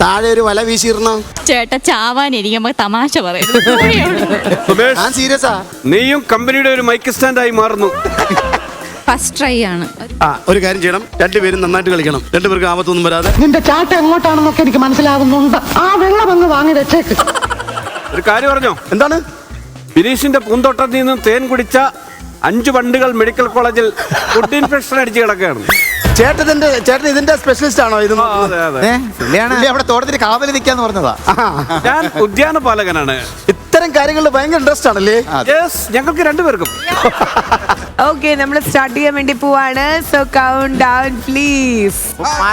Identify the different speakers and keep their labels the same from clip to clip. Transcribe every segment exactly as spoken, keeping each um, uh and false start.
Speaker 1: താഴെ ഒരു വല വീശിയിരുന്നോ?
Speaker 2: ചേട്ടാ ചാവാനിരിക്കുമ്പോ തമാശ പറയുന്നു.
Speaker 1: ഞാൻ സീരിയസാ.
Speaker 3: നീയും കമ്പനിയുടെ ഒരു മൈക്ക് സ്റ്റാൻഡായി മാറുന്നു.
Speaker 2: ഫസ്റ്റ് ട്രൈ ആണ്.
Speaker 1: ആ ഒരു കാര്യം ചെയ്യണം, രണ്ടുപേരും നന്നായിട്ട് കളിക്കണം, രണ്ടുപേർക്ക് ആപത്തൊന്നും വരാതെ.
Speaker 4: നിന്റെ ചാട്ട എങ്ങോട്ടാണെന്നൊക്കെ എനിക്ക് മനസ്സിലാവുന്നുണ്ട്. ആ വെള്ളം അങ്ങ് വാങ്ങി വെച്ചേക്ക്.
Speaker 3: ഒരു കാര്യം പറഞ്ഞോ?
Speaker 1: എന്താണ്?
Speaker 3: ബിനീഷിന്റെ പൂന്തോട്ടത്തിൽ നിന്നും തേൻ കുടിച്ച അഞ്ചു വണ്ടുകൾ മെഡിക്കൽ കോളേജിൽ ഫുഡ് ഇൻഫെക്ഷൻ അടിച്ച് കിടക്കുകയാണ്.
Speaker 1: ചേട്ടന്റെ ചേട്ടൻ ഇതിന്റെ സ്പെഷ്യലിസ്റ്റ് ആണോ? ഇത്
Speaker 3: അതെ അതെ,
Speaker 5: അവിടെ തോട്ടത്തിന് കാവല് നിൽക്കാന്ന് പറഞ്ഞതാ.
Speaker 3: ഞാൻ ഉദ്യാന പാലകനാണ്.
Speaker 1: ഇത്തരം കാര്യങ്ങളിൽ ഭയങ്കര ഇൻട്രസ്റ്റ് ആണല്ലേ?
Speaker 3: ഞങ്ങൾക്ക് രണ്ടുപേർക്കും.
Speaker 6: ഓക്കെ, നമ്മൾ സ്റ്റാർട്ട് ചെയ്യാൻ വേണ്ടി പോവാണ്. So count down please.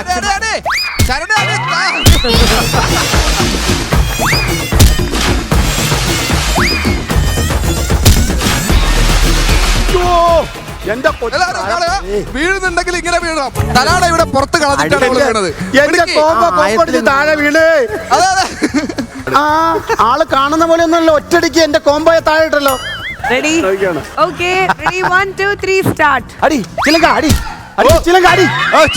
Speaker 1: എന്റെ
Speaker 5: വീഴുന്നുണ്ടെങ്കിൽ ഇങ്ങനെ വീഴണം. തലാട ഇവിടെ പുറത്ത് കളഞ്ഞിട്ടാണ് വീണത്.
Speaker 1: എന്റെ കോമ്പ കോമ്പടിച്ച് താഴെ വീണ്. ആ ആള് കാണുന്ന പോലെ ഒന്നല്ല, ഒറ്റടിക്ക് എന്റെ കോമ്പോയെ താഴെ ഇട്ടല്ലോ.
Speaker 6: Ready? Okay, ready, one two three start.
Speaker 1: അടി ചിലങ്ക, അടി അടി ചിലങ്ക, അടി.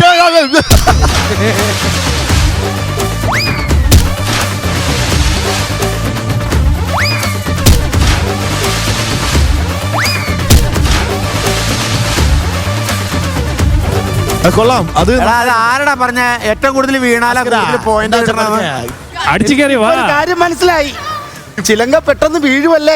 Speaker 5: കൊള്ളാം. അത്
Speaker 7: ആരടാ പറഞ്ഞ ഏറ്റവും കൂടുതൽ വീണാലാ പോയിന്റ്
Speaker 8: അടിച്ചു കയറി വാ.
Speaker 1: ഒരു കാര്യം മനസ്സിലായി, ചിലങ്ക പെട്ടെന്ന് വീഴുവല്ലേ.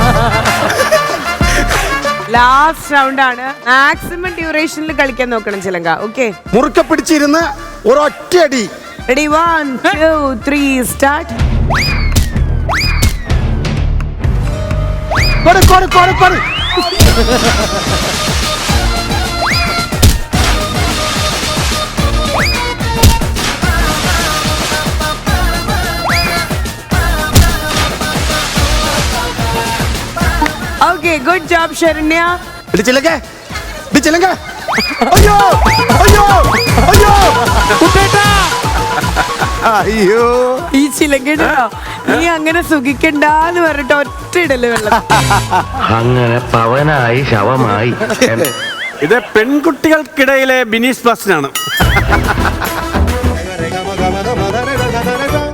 Speaker 6: ലാസ്റ്റ് റൗണ്ട് ആണ്. മാക്സിമം ഡ്യൂറേഷനിൽ കളിക്കാൻ നോക്കണം ചിലങ്ക. ഓക്കെ,
Speaker 1: മുറുക്കെ പിടിച്ചിരുന്ന് ഒരൊറ്റയടി.
Speaker 6: Ready, one two three start.
Speaker 1: കൊട് കൊട് കൊട് കൊട്.
Speaker 6: Okay, good job Saranya.
Speaker 1: ഇടിച്ചില്ലങ്കേ, ഇടിച്ചില്ലങ്കേ. അയ്യോ അയ്യോ അയ്യോ
Speaker 7: അയ്യോ
Speaker 6: ഈ ചിലങ്കട്ടോ, നീ അങ്ങനെ സുഖിക്കണ്ടെന്ന് പറഞ്ഞിട്ട് ഒറ്റ ഇടല് വെള്ളം.
Speaker 9: അങ്ങനെ പവനായി ശവമായി.
Speaker 3: ഇത് പെൺകുട്ടികൾക്കിടയിലെ ബിനീഷ് ബാസ്റ്റനാണ്.